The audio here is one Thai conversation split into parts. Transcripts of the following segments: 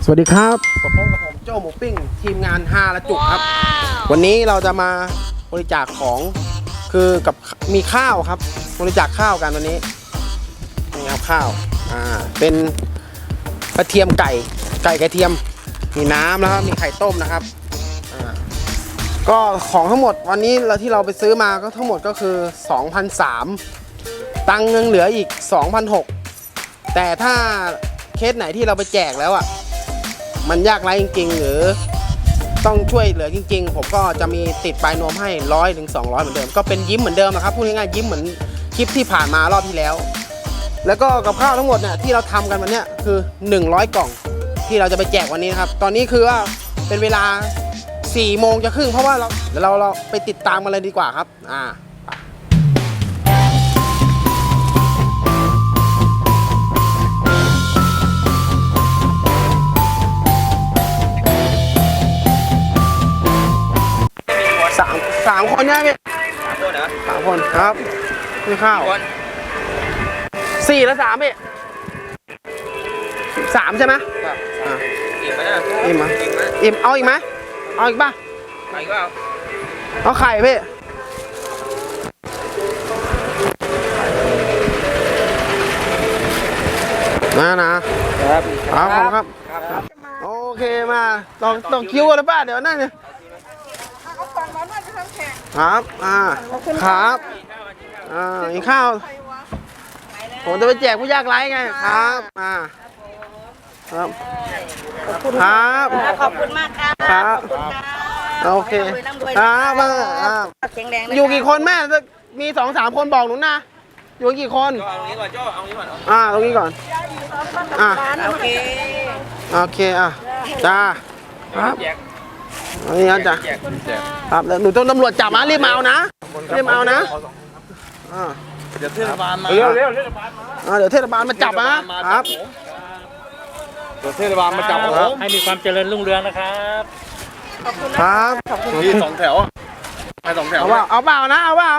สวัสดีครับพบกับผมโจ้หมูปิ้งทีมงานฮาละจุกครับวันนี้เราจะมาบริจาคของคือกับมีข้าวครับบริจาคข้าวกันวันนี้นี่ครับข้าวเป็นกระเทียมไก่กระเทียมมีน้ำแล้วครับมีไข่ต้มนะครับก็ของทั้งหมดวันนี้ที่เราไปซื้อมาก็ทั้งหมดก็คือ 2,300 ตังค์ยังเหลืออีก 2,600 แต่ถ้าเคสไหนที่เราไปแจกแล้วมันยากไร้จริงๆหรือต้องช่วยเหลือจริงๆผมก็จะมีติดปลายนวมให้100 ถึง 200เหมือนเดิมก็เป็นยิ้มเหมือนเดิมนะครับพูดง่ายๆยิ้มเหมือนคลิปที่ผ่านมารอบที่แล้วแล้วก็กับข้าวทั้งหมดเนี่ยที่เราทำกันวันนี้คือ100 กล่องที่เราจะไปแจกวันนี้นะครับตอนนี้คือว่าเป็นเวลา4 โมงจะครึ่งเพราะว่าเราไปติดตามกันเลยดีกว่าครับสามคนเนี่ยพี่3 คนครับนี่ข้าว4 และ 3พี่3ใช่ไหมครับอิ่มไหมอิ่มไหมอิ่มเอาอีกไหมเอาอีกป่ะไข่ก็เอาไข่พี่นะครับโอเคมาต้องคิวกันหรือเปล่าเดี๋ยวนั่นเนี่ยครับครับอีกข้าวผมจะไปแจกผู้ยากไร้ไงครับครับครับขอบคุณมากครับโอเคครับอยู่กี่คนแม่มี2-3 คนบอกหนูนะอยู่กี่คนเอาตรงนี้ก่อนโจ้เอาตรงนี้ก่อนตรงนี้ก่อนโอเคจ้าครับนี่นะจ้ะครับหนูต้องตำรวจจับนะรีบมาเอานะเดี๋ยวเทศบาลมาเร็วเทศบาลมาเดี๋ยวเทศบาลมาจับนะครับเดี๋ยวเทศบาลมาจับผมให้มีความเจริญรุ่งเรืองนะครับครับมี2 แถวไป2 แถวเอาเปล่านะเอาเปล่า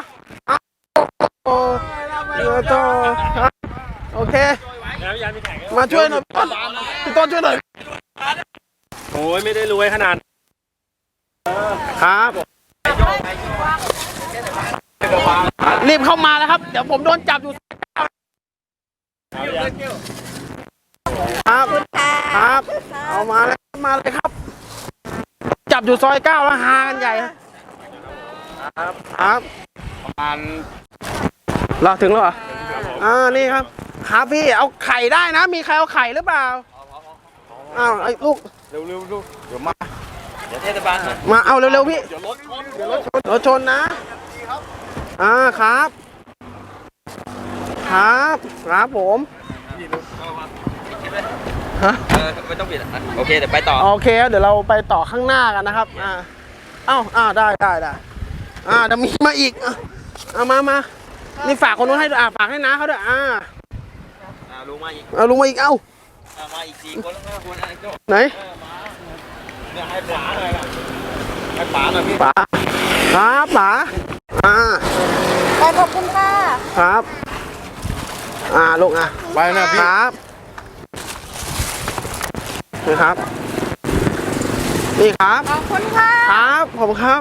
โอเคมาช่วยหน่อยพี่ต้นช่วยหน่อยโอ้ยไม่ได้รวยขนาดครับรีบเข้ามาแล้วครับเดี๋ยวผมโดนจับอยู่ครับเอามาเลยครับจับอยู่ซอย 9แล้วหากันใหญ่ครับประมาณเราถึงแล้วเหรอนี่ครับพี่เอาไข่ได้นะมีใครเอาไข่หรือเปล่าไอ้ลูกเร็วเดี๋ยวมาเดี๋ยวเทศบาลมาเอาเร็วๆพี่เดี๋ยวรถชนนะครับครับผมไม่ต้องปิดโอเคเดี๋ยวไปต่อโอเคเดี๋ยวเราไปต่อข้างหน้ากันนะครับได้เดี๋ยวมีมาอีกมานี่ฝากคนนู้นให้ฝากให้น้าเขาด้วยลุงมาอีกมาอีกมาอีก4 คนแล้วคนไหนเนี่ยให้ป๋าหน่อยให้ป๋าหน่อยพี่ป๋าครับป๋าขอบคุณค่ะครับลูกไปนะพี่ครับนี่ครับนี่ครับขอบคุณค่ะครับผมครับ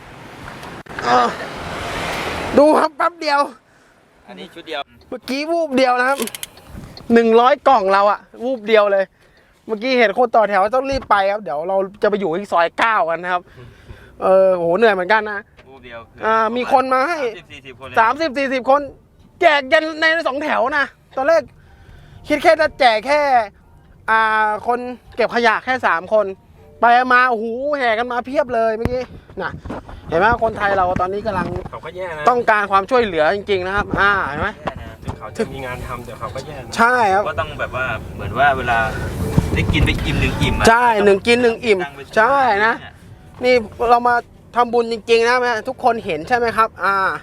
ดูครับแป๊บเดียวอันนี้ชุดเดียวเมื่อกี้วูบเดียวนะครับ100 กล่องเราวูบเดียวเลยเมื่อกี้เห็นคนต่อแถวต้องรีบไปครับเดี๋ยวเราจะไปอยู่ที่ซอย 9กันนะครับโหเหนื่อยเหมือนกันนะวูบเดียวมีคนมาให้30-40 คนแจกยันใน2 แถวนะตอนแรกคิดแค่จะแจกแค่คนเก็บขยะแค่3 คนไปมาโอ้โหแห่กันมาเพียบเลยเมื่อกี้นะเห็นไหมคนไทยเราตอนนี้กำลังต้องการความช่วยเหลือจริงๆนะครับเห็นไหมเขาจะมีงานทำเดี๋ยวเขาก็แย่ใช่ครับก็ต้องแบบว่าเหมือนว่าเวลาได้กินไปอิ่ม1 อิ่มใช่1 กิน 1 อิ่มใช่นะนี่เรามาทำบุญจริงๆนะแม่ทุกคนเห็นใช่ไหมครับ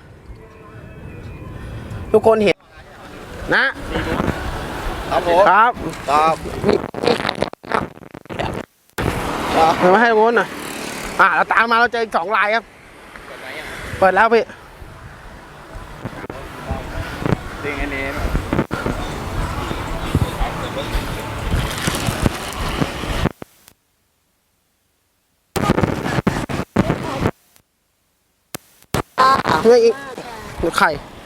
ทุกคนเห็นนะครับผมครับมาให้วุ้นหน่อยเราตามมาเราเจออีก2 ลายครับเปิดแล้วพี่ดึงอันนี้ไม่อีกไข่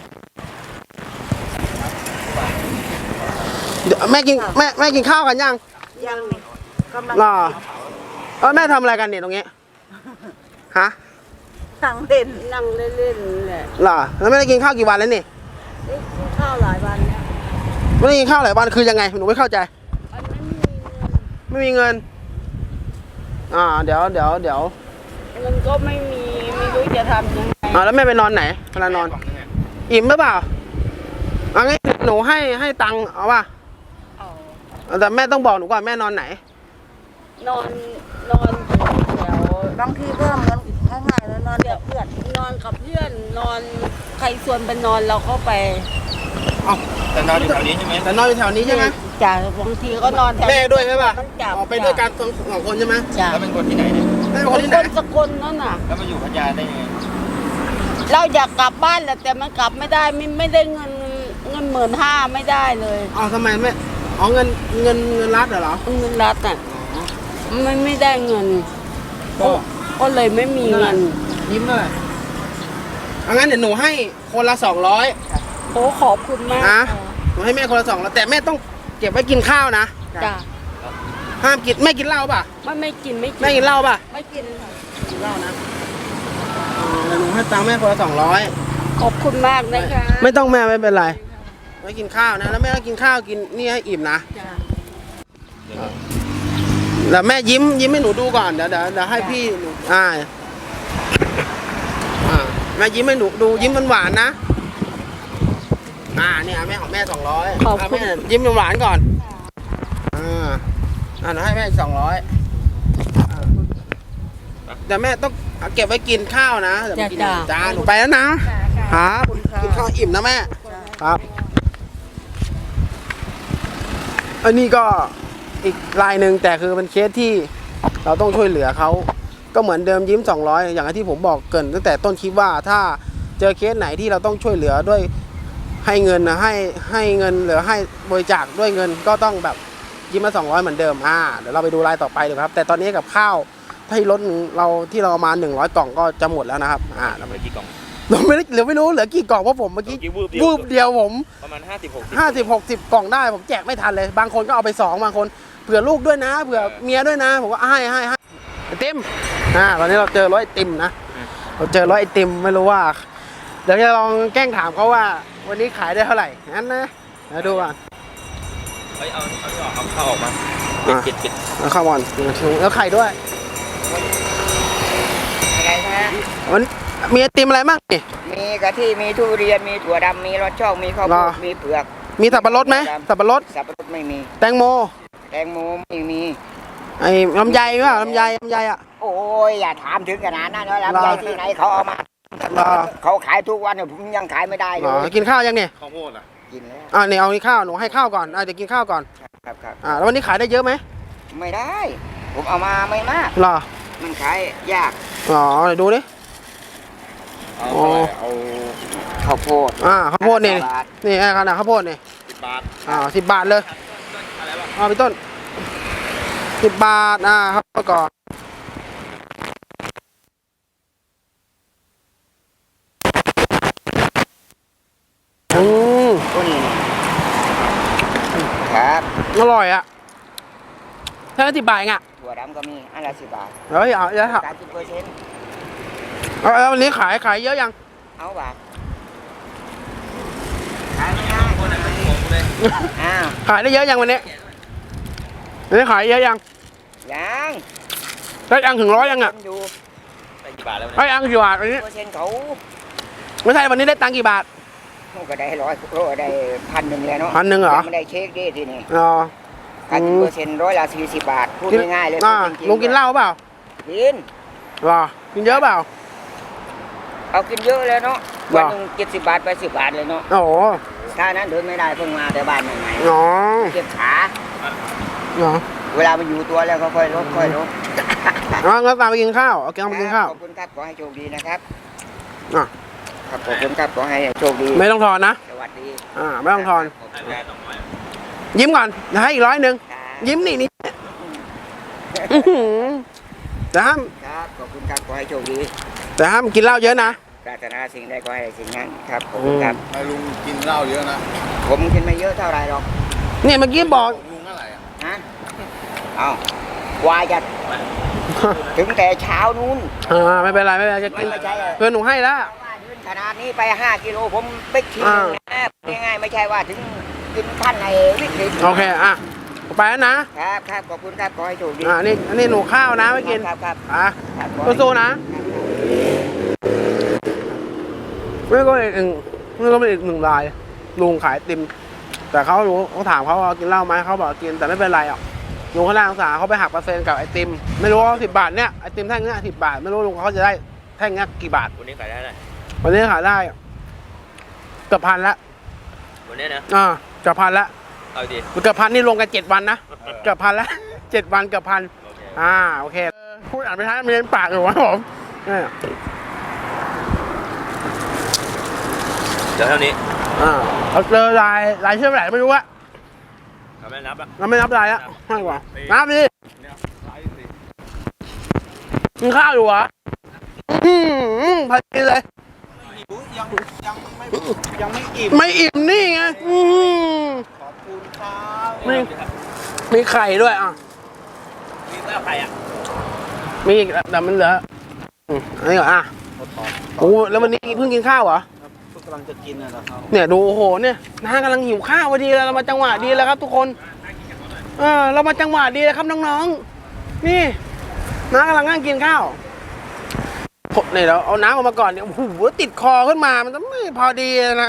เดี๋ยวแม่กินข้าวกันยังยังนี่กำลังรอแม่ทำอะไรกันเนี่ยตรงนี้ฮะนั่งเล่นนั่งเล่นๆแหละรอแล้วไม่ได้กินข้าวกี่วันแล้วนี่ได้กินข้าวหลายวันแล้วไม่ได้กินข้าวหลายวันคือยังไงหนูไม่เข้าใจมันไม่มีเงินเดี๋ยวมันก็ไม่มีไม่รู้จะทำยังไงแล้วแม่ไปนอนไหนเวลานอน อิ่มหรือเปล่าเอางี้หนูให้ตังค์เอาป่ะเอาแต่แม่ต้องบอกหนูก่อนแม่นอนไหนนอนอยู่แถวบางทีก็เหมือนง่ายๆแล้วนอนกับเพื่อนนอนกับเพื่อนนอนใครชวนไปนอนเราก็ไปแต่นอนอยู่แถวนี้ใช่ไหมแต่นอนอยู่แถวนี้ใช่ไหมจ้ะบางทีก็นอนแถวแม่ด้วยใช่ป่ะมันจับออกไปด้วยกันสองคนใช่ไหมจ้ะแล้วเป็นคนที่ไหนเนี่ยแม่เป็นคคนนที่ไหนสกลนั่นน่ะแล้วมาอยู่พัทยาได้ยังไงเราอยากกลับบ้านแหละแต่มันกลับไม่ได้ไม่ได้เงิน15,000ไม่ได้เลยทำไมแม่เงินรัฐเหรอเงินรัฐอ่ะมันไม่ได้เงิน ก็เลยไม่มีเงินยิ้มเลยเอางั้นเดี๋ยวหนูให้คนละ200 โอ้ขอบคุณมากนะหนูให้แม่คนละ200แต่แม่ต้องเก็บไว้กินข้าวนะจ้ะห้ามกินแม่กินเหล้าป่ะไม่กินแม่กินเหล้าป่ะไม่กินค่ะกินเหล้านะเดี๋ยวหนูให้ตังค์แม่คนละ200 ขอบคุณมากนะคะไม่ต้องแม่ไม่เป็นไรไว้กินข้าวนะแล้วแม่ก็กินข้าวกินนี่ให้อิ่มนะจ้ะแล้วแม่ยิ้มให้หนูดูก่อนเดี๋ยวให้พี่หนูแม่ยิ้มให้หนูดูยิ้มหวานๆนะเนี่ยแม่ของแม่200 ขอบคุณแม่ยิ้มหวานๆก่อนเดี๋ยวให้แม่อีก200แต่แม่ต้องเก็บไว้กินข้าวนะเดี๋ยวไปกินจ้าหนูไปแล้วนะครับกินข้าวอิ่มนะแม่ครับอันนี้ก็อีกรายหนึ่งแต่คือเป็นเคสที่เราต้องช่วยเหลือเขาก็เหมือนเดิมยิ้ม200อย่างที่ผมบอกเกริ่นตั้งแต่ต้นคลิปว่าถ้าเจอเคสไหนที่เราต้องช่วยเหลือด้วยให้เงินนะให้เงินหรือให้บริจาคด้วยเงินก็ต้องแบบยิ้มมา200เหมือนเดิมเดี๋ยวเราไปดูรายต่อไปเลยครับแต่ตอนนี้กับข้าวที่รถเราที่เราเอามา100 กล่องก็จะหมดแล้วนะครับเราไปกี่กล่องเราไม่รู้เหลือกี่กล่องเพราะผมเมื่อกี้วูบเดียวผมประมาณ 50-60 กล่องได้ผมแจกไม่ทันเลยบางคนก็เอาไป2บางคนเผื่อลูกด้วยนะเผื่อเมียด้วยนะผมก็ให้ไอติมตอนนี้เราเจอรถไอติมนะเราเจอรถไอติมไม่รู้ว่าเดี๋ยวจะลองแกล้งถามเขาว่าวันนี้ขายได้เท่าไหร่งั้นนะเดี๋ยวดูก่อนเฮ้ยเอาเข้าออกมาปิดแล้วข้าวบอลแล้วไข่ด้วยอะไรคะวันมีไอติมอะไรบ้างนี่มีกะทิมีทุเรียน มีถั่วดำ มีรสช่อง มีข้าวโพรอดมีเผือกมีสับปะรดไหมสับปะรดสับปะรดไม่มีแตงโมแตงโมไม่มีไอ้ลำไยป่ะลำไยอ่ะโอ้ย อย่าถามถึงขนาดนั้นเลยลำไยรอที่ไหนเขาเอามารอเขาขายทุกวันเนี่ยผมยังขายไม่ได้เลอ๋อย กินข้าวยังเนี่ยข้าวโพดอ่ะกินแล้วนี่เอานี่ข้าวหนูให้ข้าวก่อนเดี๋ยวกินข้าวก่อนครับแล้ววันนี้ขายได้เยอะไหมไม่ได้ ผมเอามาไม่มากหรอมันขายยากเดี๋ยวดูดิเอาข้าวโพดข้าวโพดนี่บาทนี่ขนาดข้าวโพดนี่ 10 บาท 10 บาทเลยพี่ต้น10 บาทครับก่อนตัวนี้ครับอร่อยอ่ะแค่10 บาทเองอ่ะถั่วดำก็มีอันละ10 บาทเฮ้ยเอาเยอะครับ 30% แล้ววันนี้ขายเยอะยังเอาบาทขายไม่ได้อ้าวขายได้เยอะยังวันนี้ขายเยอะยังยังได้ยังถึง100ยังอ่ะอยู่ได้กี่บาทแล้วได้ยังกี่บาทวันนี้เปอร์เซ็นต์เขาไม่ใช่วันนี้ได้ตังค์กี่บาทก็ได้ได้1,000เลยเนาะ 1,000เหรอไม่ได้เช็คดิทีนี่อ๋อการกินเปอร์เซ็นต์40 บาท พูดง่ายๆเลยพูดจริงๆลุงกินเหล้าเปล่ากินหรอกินเยอะเปล่าเอากินเยอะเลยเนาะหรอวันหนึง70 บาทไป10 บาทเลยเนาะโอ้โหถ้านั้นเดินไม่ได้เพิ่งมาแต่บ้านใหม่อ๋อๆเจ็บขาเหรอเวลามันอยู่ตัวแล้วก็ค่อยลดงั้นตามไปกินข้าวเอาแกงไปกินข้าวขอบคุณครับขอให้โชคดีนะครับอ่ะครับขอบคุณครับขอให้โชคดีไม่ต้องทอนนะสวัสดีไม่ต้องทอนขอบคุณครับยิ้มก่อนเดี๋ยวให้อีก100ยิ้มนี่แต่ห้ามครับขอบคุณครับขอให้โชคดีแต่ห้ามกินเหล้าเยอะนะปรารถนาสิ่งใดก็ให้สิ่งนั้นครับผมครับให้ลุงกินเหล้าเยอะนะผมกินไม่เยอะเท่าไรหรอกเนี่ยเมื่อกี้บอกลุงเท่าไหร่อ่ะฮะเอากว่าจะถึงแต่เช้านู้นไม่เป็นไรไม่เป็นไรจะกินไม่ใช่เพื่อนหนูให้แล้วขนาดนี้ไป5 กิโลผมไปทิ้งนะง่ายๆไม่ใช่ว่าถึงกินขั้นในวิกฤตโอเคไปแล้วนะครับครับขอบคุณครับขอให้โชคดีนี่หนูข้าวนะไม่กินครับครับอ่ะครับสู้ๆนะไม่ก็อีกหนึ่งรายลุงขายไอติมแต่เขาถามเขาว่ากินเหล้าไหมเขาบอกกินแต่ไม่เป็นไรหรอกลุงเขาน่าสงสารเขาไปหักเปอร์เซ็นต์กับไอติมไม่รู้ว่า10 บาทเนี่ยไอติมแท่งเนี้ย10 บาทไม่รู้ลุงเขาจะได้แท่งเนี้ยกี่บาทวันนี้ขายได้ไหมวันนี้ขายได้เกือบ1,000ละวันนี้นะเกือบ1,000ละเอาดิเกือบ1,000นี่รวมกัน7 วันนะเกือบ1,000ละ7 วันเกือบ1,000โอเคพูดอ่านไปท้ายมีเล่นปากอยู่ครับผมเนี่ยเดี๋ยวเท่านี้เราเจอลายเชื่อมไหนไม่รู้อะเขาไม่นับอ่ะเราไม่นับลายละให้กว่านับดิกินข้าวอยู่เหรอพอดีเลยยังไม่อิ่มไม่อิ่มนี่ไงขอบคุณครับมีไข่ด้วยมีแล้วใครอ่ะมีอีกแต่มันเหลืออันนี้เหรอโอ้แล้ววันนี้เพิ่งกินข้าวเหรอกำลังจะกินนะครับเนี่ยดูโอ้โหเนี่ยน้ากำลังหิวข้าวพอดีเลยเรามาจังหวะดีแล้วครับทุกคนเรามาจังหวะดีเลยครับน้องๆนี่น้ากำลังนั่งกินข้าวเนี่ยเราเอาน้ำออกมาก่อนเนี่ยโอ้โหติดคอขึ้นมามันจะไม่พอดีนะ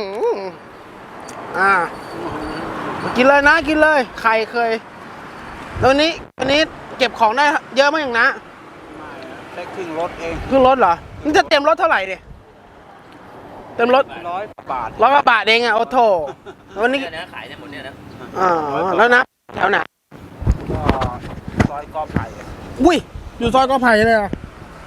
กินเลยนะกินเลยใครเคยแล้ววันนี้เก็บของได้เยอะมากอย่างนะได้ครึ่งรถเองครึ่งรถเหรอมันจะเต็มรถเท่าไหร่ดิเต็มรถ 100 บาท 100 กว่าบาทเองอ่ะโอ้โถวันนี้เนี่ยนะขายเนี่ยหมดเนี่ยนะแล้วนะแถวไหนก็ซอยกอไผ่อุ้ยอยู่ซอยกอไผ่เลยเหรอ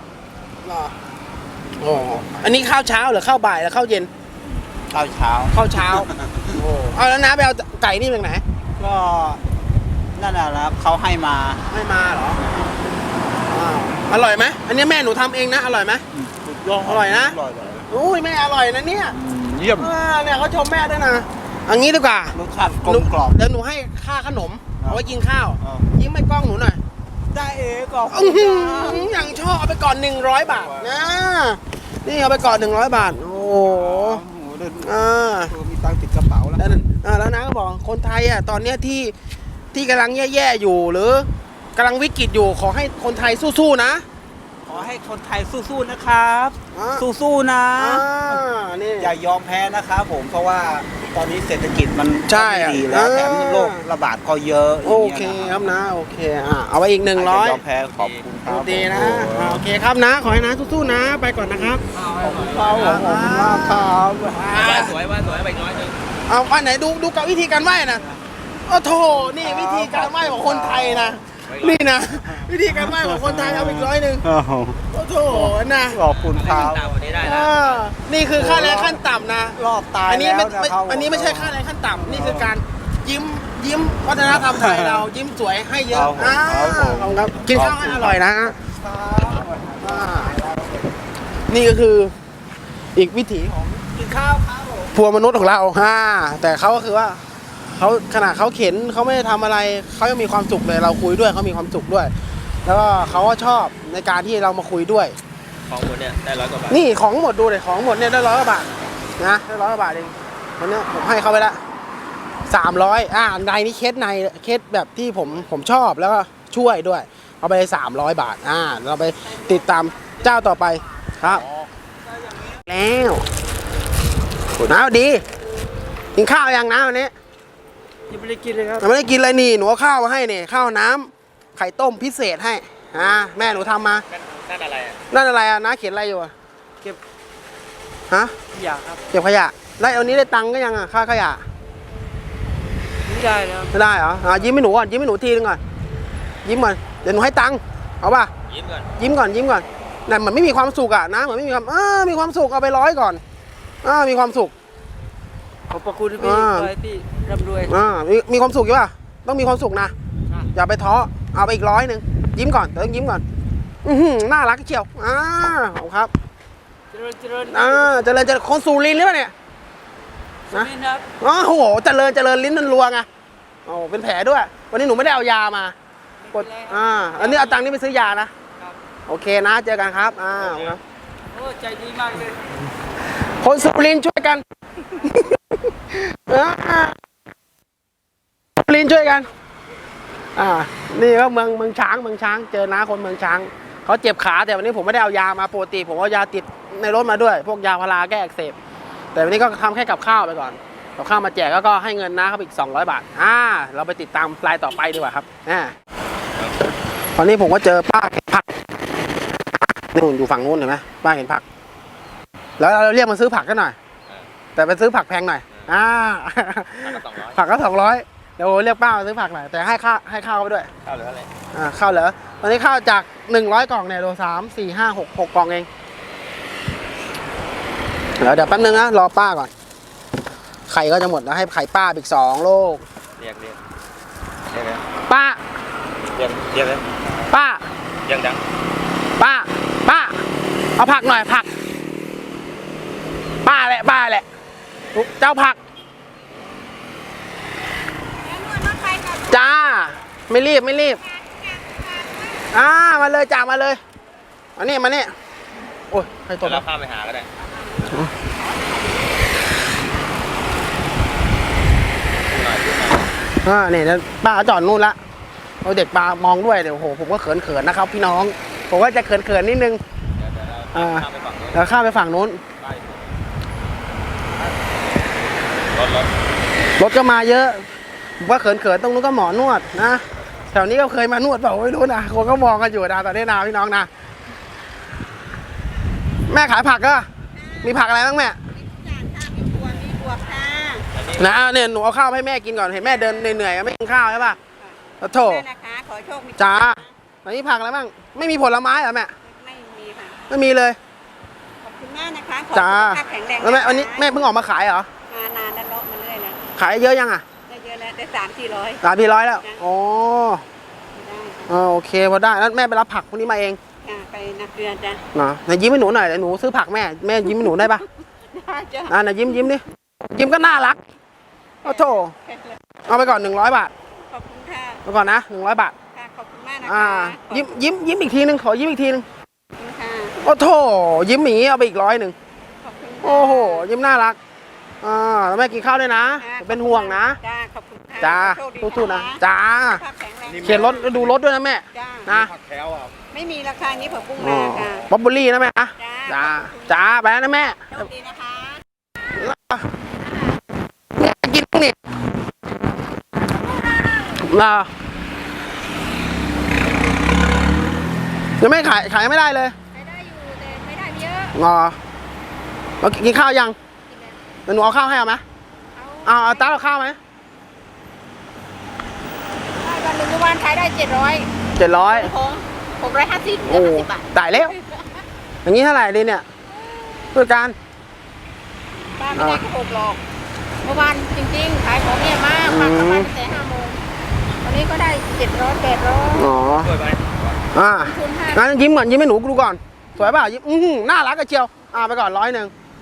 อ๋ออันนี้ข้าวเช้าหรือข้าวบ่ายหรือข้าวเย็นข้าวเช้าข้าวเช้าโอ้เอาแล้วนะไปเอาไก่นี่จากไหนก็นั่นแหละครับเขาให้มาไม่มาเหรออร่อยไหมอันนี้แม่หนูทำเองนะอร่อยไหมสุดยอดอร่อยนะอร่อยเลยอุ้ยแม่อร่อยนะเนี่ยเยี่ยมเนี่ยเขาชมแม่ด้วยนะเอันนี้ดีกว่ารสชาติกลมกล่อมเดี๋ยวหนูให้ค่าขนมเอาไว้กินข้าวอ่ายิ้มให้กล้องหนูหน่อยได้เองก็อย่างชอบเอาไปก่อน100 บาทนะนี่เอาไปก่อน100 บาทโอ้โหเดินมีตังค์ติดกระเป๋าแล้วแล้วนะก็บอกคนไทยตอนเนี้ยที่กำลังแย่ๆอยู่หรือกำลังวิกฤตอยู่ขอให้คนไทยสู้ๆนะขอให้คนไทยสู้ๆนะครับ สู้ๆนะนี่อย่ายอมแพ้นะครับผมเพราะว่าตอนนี้เศรษฐกิจมันใช่ไม่ดีแล้วแถมโรคระบาดก็เยอะโอเคครับนะโอเคเอาไปอีก100 อย่ายอมแพ้ขอบคุณครับดีนะโอเคครับนะขอให้นะสู้ๆนะไปก่อนนะครับขอบคุณครับขอบคุณมากครับสวยว่าสวยไปน้อยนึงเอาอันไหนดูกับวิธีการไหว้นะโอ้โถนี่วิธีการไหว้ของคนไทยนะนี่นะวิธีการไหว้ของคนไทยเอาอีก100โอ้โถนะขอบคุณครับตามวันนี้ได้นะนี่คือค่าแรงขั้นต่ำนะรอบตายอันนี้แล้วไม่นะครับอันนี้ไม่ใช่ค่าแรงขั้นต่ำนี่คือการยิ้มวัฒนธรรมไทยเรายิ้มสวยให้เยอะขอบคุณครับกินข้าวให้อร่อยนะนี่ก็คืออีกวิถีของกินข้าวพวงมนุษย์ของเราแต่เขาก็คือว่าเขาขนาดเขาเข็นเขาไม่ได้ทำอะไรเขายังมีความสุขเลยเราคุยด้วยเขามีความสุขด้วย แล้วก็เขาก็ชอบในการที่เรามาคุยด้วยของหมดเนี่ยได้100 กว่าบาทนี่ของหมดดูเลยของหมดเนี่ยได้100 กว่าบาทนะได้100 กว่าบาทเองวันนี้ผมให้เขาไปละ300ในนี้เคสแบบที่ผมชอบแล้วก็ช่วยด้วยเอาไป300 บาทเราไปติดตามเจ้าต่อไปครับแล้วน้าดีกินข้าวยังน้าวันนี้ยังไม่ได้กินเลยครับยังไม่ได้กินเลยนี่หนูเอาข้าวมาให้นี่ข้าวน้ำไข่ต้มพิเศษให้แม่หนูทำมานั่นอะไรอ่ะนั่นอะไรน้าเขียนอะไรอยู่เก็บฮะอยากครับเก็บขยะได้เอานี้ได้ตังค์ก็ยังค่าขยะไม่ได้แล้วไม่ได้เหรอยิ้มให้หนูก่อนยิ้มให้หนูทีนึงก่อนยิ้มก่อนเดี๋ยวหนูให้ตังค์เอาป่ะยิ้มก่อนยิ้มก่อนนั่นเหมือนไม่มีความสุขนะเหมือนไม่มีความมีความสุขเอาไป100ก่อนมีความสุขขอบพระคุณพี่คอยที่ร่ำรวยมีความสุขอยู่ป่ะต้องมีความสุขนะอย่าไปท้อเอาไปอีก100นึงยิ้มก่อนเดี๋ยวต้องยิ้มก่อนน่ารักเชียวขอบคุณครับเจริญเจริญคนสุรินทร์หรือเปล่าเนี่ยนะนี่ครับอ๋อโหเจริญลิ้นมันรัวไงโอ้เป็นแผลด้วย วันนี้หนูไม่ได้เอายามากดอันนี้เอาตังค์นี้ไปซื้อยานะโอเคนะเจอกันครับครับโอ้ใจดีมากเลยคนสุรินทร์ช่วยกันสุรินทร์ช่วยกันนี่ก็เมืองช้างเจอน้าคนเมืองช้างเขาเจ็บขาแต่วันนี้ผมไม่ได้เอายามาปกติผมเอายาติดในรถมาด้วยพวกยาพาราแก้อักเสบแต่วันนี้ก็ทำแค่กับข้าวไปก่อนกับข้าวมาแจกแล้วก็ให้เงินน้าเขาอีก200 บาทเราไปติดตามรายต่อไปดีกว่าครับตอนนี้ผมก็เจอป้าเห็นผักนี่อยู่ฝั่งนู้นเห็นไหมป้าเห็นผักแล้วเราเรียกมาซื้อผักกันหน่อยแต่ไปซื้อผักแพงหน่อยผักก็200เดี๋ยวเรียกป้ามาซื้อผักหน่อยแต่ให้ข้าวไปด้วยข้าวเหลืออะไรข้าวเหรอตอนนี้ข้าวจาก100 กล่องเนี่ยโล3 4 5 6 กล่องเองเดี๋ยวแป๊บนึงนะรอป้าก่อนไข่ก็จะหมดแล้วให้ไข่ป้าอีก2 โลเรียกป้าเรียกเลยป้ายังดังป้าเอาผักหน่อยผักป้าแหละเจ้าผักจ้าไม่รีบมาเลยจ้ามาเลยมานี่โอ้ยใครตกแล้วข้ามไปหาก็ได้เนี่ยป้าจอดนู่นละเอาเด็กปลามองด้วยเดี๋ยวโหผมก็เขินนะครับพี่น้องผมก็จะเขินนิดนึงแล้วข้ามไปฝั่งนู้นรถก็มาเยอะผมว่าเขินตรงนู้นก็หมอนวดนะแถวนี้ก็เคยมานวดเปล่าไม่รู้นะคนก็มองกันอยู่นะตอนนี้นะพี่น้องนะแม่ขายผักก็มีผักอะไรบ้างแม่นะเนี่ยหนูเอาข้าวให้แม่กินก่อนเห็นแม่เดินเหนื่อยๆไม่กินข้าวใช่ป่ะโถจ้าตอนนี้ผักอะไรบ้างไม่มีผลไม้เหรอแม่ไม่มีค่ะไม่มีเลยขอบคุณมากนะคะจ้าแล้วแม่วันนี้แม่เพิ่งออกมาขายเหรอมานานแล้วเลาะมาเรื่อยแล้วขายเยอะยังได้เยอะแล้วได้300-400 แล้วอ๋อโอเคพอได้แล้วแม่ไปรับผักพวกนี้มาเองไปนาเกลือจ้ะไหนยิ้มให้หนูหน่อยหนูซื้อผักแม่ยิ้มให้หนูได้ปะได้จ้ะไหนยิ้มดิยิ้มก็น่ารักโอ้โถเอาไปก่อน100 บาทขอบคุณค่ะไปก่อนนะ100 บาทค่ะขอบคุณมากนะคะยิ้มอีกทีนึงขอยิ้มอีกทีนึงค่ะโอ้โถยิ้มหมีเอาไปอีก100 ขอบคุณโอ้โหยิ้มน่ารักแล้วแม่กินข้าวด้วยนะเป็นห่วงนะจ้าขอบคุณค่ะจ้าสู้ๆนะจ้าเขียนรถดูรถด้วยนะแม่นะผักแถวไม่มีราคานี้ผักบุ้งนาค่ะบ๊อบบูรี่นะแม่นะจ้าไปนะแม่โชคดีนะคะกินนี่ยังไม่ขายไม่ได้เลยได้อยู่แต่ไม่ได้เยอะเรากินข้าวยังเดี๋ยวหนูเอาข้าวให้เอาไหมเอาตั้งเอาข้าวไหมวันหนึ่งวันขายได้700ของ650 โอ้ตายแล้วอย่างนี้เท่าไหร่ดีเนี่ยผู้การป้าไม่ได้ก็6หรอกเมื่อวานจริงๆขายของเนี่ยมากประมาณแต่5 โมงวันนี้ก็ได้700-800 งั้นยิ้มก่อนยิ้มให้หนูดูก่อนสวยป่ะยิ้มน่ารักกระเจียวไปก่อน100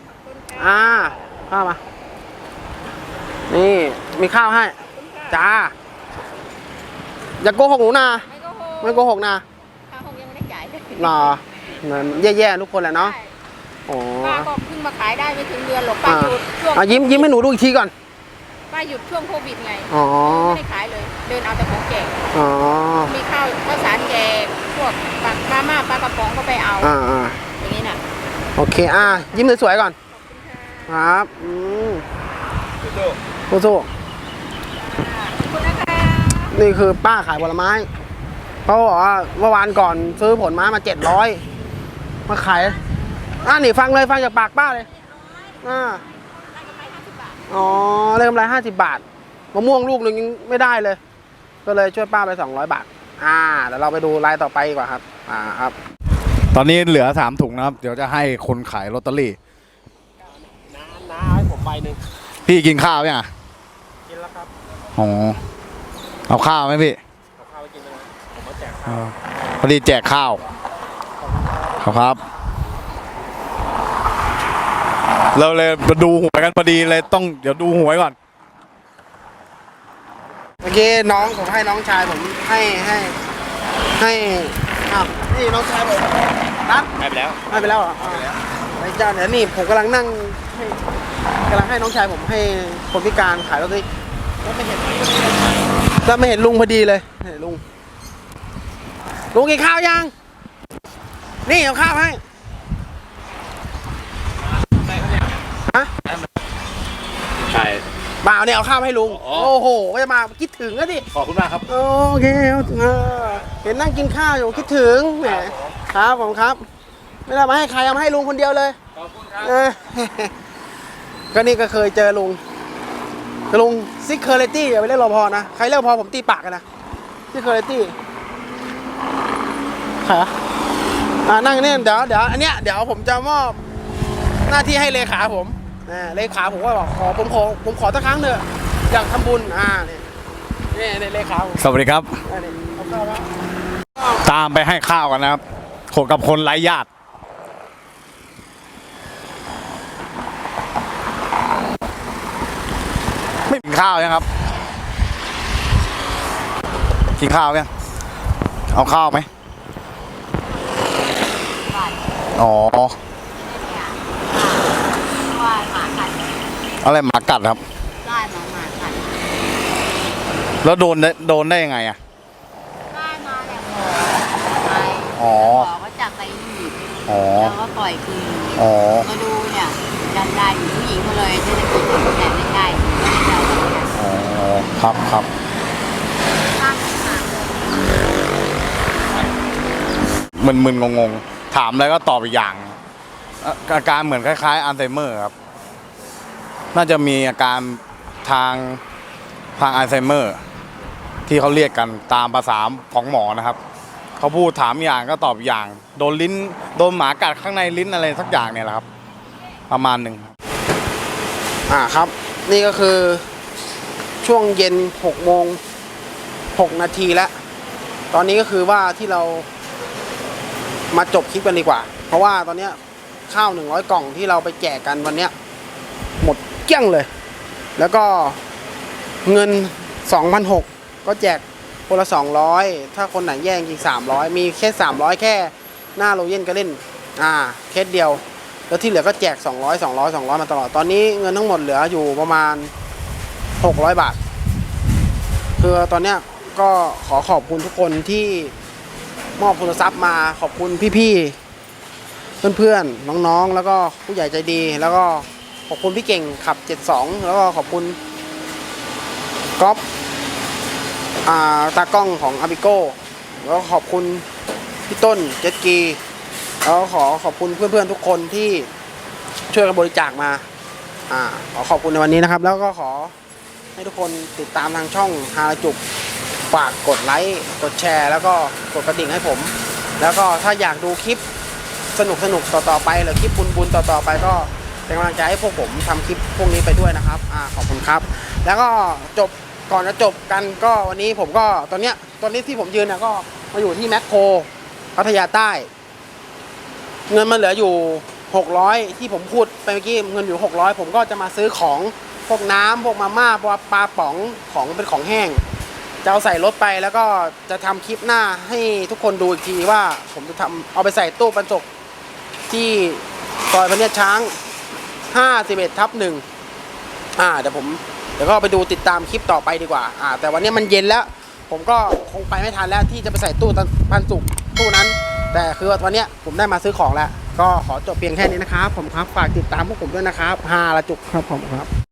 ข้าวมานี่มีข้าวให้จ้าอย่าโกหกหนูนะไม่โกหกนะข้าวยังไม่ได้จ่ายแย่ๆทุกคนแหละเนาะป้าก็เพิ่งมาขายได้ไม่ถึงเดือนหรอกป้าหยุดช่วงยิ้มให้หนูดูอีกทีก่อนป้าหยุดช่วงโควิดไงไม่ได้ขายเลยเดินเอาแต่ของแจกมีข้าวสารแจกพวกมาม่าปลากระป๋องก็ไปเอาอย่างนี้น่ะโอเคยิ้มสวยๆก่อนครับสู้นี่คือป้าขายผลไม้เขาบอกว่าเมื่อวานก่อนซื้อผลไม้มา700มาขายนี่ฟังจากปากป้าเลยได้กำไร50 บาทมะม่วงลูกหนึ่งยังไม่ได้เลยก็เลยช่วยป้าไป200 บาทเดี๋ยวเราไปดูรายต่อไปดีกว่าครับครับตอนนี้เหลือ3 ถุงนะครับเดี๋ยวจะให้คนขายลอตเตอรี่น้าให้ผมใบหนึ่งพี่กินข้าวยังกินแล้วครับเอาข้าวไหมพี่เอาข้าวไปกินเลยผมมาแจกข้าวพอดีแจกข้าวครับเราเลยมาดูหวยกันพอดีเลยต้องเดี๋ยวดูหวยก่อนเมื่อกี้น้องผมให้น้องชายผมให้อ้าวนี่น้องชายผมนัดให้ไปแล้วให้ไปแล้วเหรอไอ้เจ้าเดี๋ยวนี่ผมกำลังนั่งให้น้องชายผมให้คนพิการขายลอตเตอรี่แล้วไม่เห็นลุงพอดีเลยเห็นลุงกินข้าวยังนี่เอาข้าวให้ฮะใช่บ่าวเนี่ยเอาข้าวให้ลุงอ๋อโอ้โหก็จะมาคิดถึงแล้วดิขอบคุณมากครับโอเคเห็นนั่งกินข้าวอยู่คิดถึงแหมครับผมครับไม่ได้มาให้ใครเอามาให้ลุงคนเดียวเลยขอบคุณครับก็นี่ก็เคยเจอลุงซิกเคอร์เรตี้อย่าไปเรียกรปภนะใครเรียกรปภผมตีปากกันนะซิกเคอร์เรตี้ใครวะนั่งนี่เดี๋ยวอันเนี้ยเดี๋ยวผมจะมอบหน้าที่ให้เลขาผมเลขาผมก็บอกผมขอสักครั้งเถอะอยากทำบุญนี่เลขาผมสวัสดีครับนี่เอาเข้าแล้วตามไปให้ข้าวกันนะครับคนกับคนไร้ญาติไม่กินข้าวยังครับกินข้าวยังเอาข้าวไหมอ๋อว่าหมากัดอะไรหมากัดครับได้หมากัดแล้วโดนได้ยังไงอ่ะได้มาแหละไปอ๋อหมอก็จับไปหนีบอ๋อแล้วก็ปล่อยคืนอ๋อมาดูเนี่ยดันได้อยู่ผู้หญิงมาเลยเศรษฐกิจแต่ไม่ใช่ไม่ได้อ๋อครับข้างหาเลยมึนงงถามอะไรก็ตอบอีกอย่างอาการเหมือนคล้ายๆอัลไซเมอร์ครับน่าจะมีอาการทางอัลไซเมอร์ที่เขาเรียกกันตามภาษาของหมอนะครับเขาพูดถามอย่างก็ตอบอย่างโดนหมากัดข้างในลิ้นอะไรสักอย่างเนี่ยแหละครับประมาณหนึ่งครับ นี่ก็คือช่วงเย็น6:06 นาทีแล้วตอนนี้ก็คือว่าที่เรามาจบคลิปกันดีกว่าเพราะว่าตอนเนี้ยข้าว100 กล่องที่เราไปแจกกันวันเนี้ยหมดเกลี้ยงเลยแล้วก็เงิน 2,600 ก็แจกคนละ200ถ้าคนไหนแย่งอีก300มีแค่300แค่หน้าโรเย็นก็เล่นเคสเดียวแล้วที่เหลือก็แจก200มาตลอดตอนนี้เงินทั้งหมดเหลืออยู่ประมาณ600 บาทคือตอนเนี้ยก็ขอบคุณทุกคนที่มอบโทรศัพท์มาขอบคุณพี่ๆเพื่อนๆน้องๆแล้วก็ผู้ใหญ่ใจดีแล้วก็ขอบคุณพี่เก่งขับ72แล้วก็ขอบคุณก๊อฟตากล้องของอาบิโก้แล้วก็ขอบคุณพี่ต้นเจ็ตกีแล้วขอบคุณเพื่อนๆทุกคนที่ช่วยกันบริจาคมาขอบคุณในวันนี้นะครับแล้วก็ขอให้ทุกคนติดตามทางช่องฮาราจุกฝากกดไลค์กดแชร์แล้วก็กดกระดิ่งให้ผมแล้วก็ถ้าอยากดูคลิปสนุกต่อไปหรือคลิปบุญต่อไปก็เป็นกำลังใจให้พวกผมทำคลิปพวกนี้ไปด้วยนะครับขอบคุณครับแล้วก็ก่อนจะจบกันก็วันนี้ผมก็ตอนนี้ที่ผมยืนก็มาอยู่ที่แมคโครพัทยาใต้เงินมันเหลืออยู่600ที่ผมพูดไปเมื่อกี้เงินอยู่600ผมก็จะมาซื้อของพวกน้ำพวกมาม่าพวกปลาป๋องของเป็นของแห้งจะเอาใส่รถไปแล้วก็จะทำคลิปหน้าให้ทุกคนดูอีกทีว่าผมจะเอาไปใส่ตู้บรรจุที่ซอยพเนียดช้าง51/1เดี๋ยวก็ไปดูติดตามคลิปต่อไปดีกว่าแต่วันนี้มันเย็นแล้วผมก็คงไปไม่ทันแล้วที่จะไปใส่ตู้บรรจุตู้นั้นแต่คือวันนี้ผมได้มาซื้อของแล้วก็ขอจบเพียงแค่นี้นะครับผมครับฝากติดตามพวกผมด้วยนะครับฮาราจุกครับผมครับ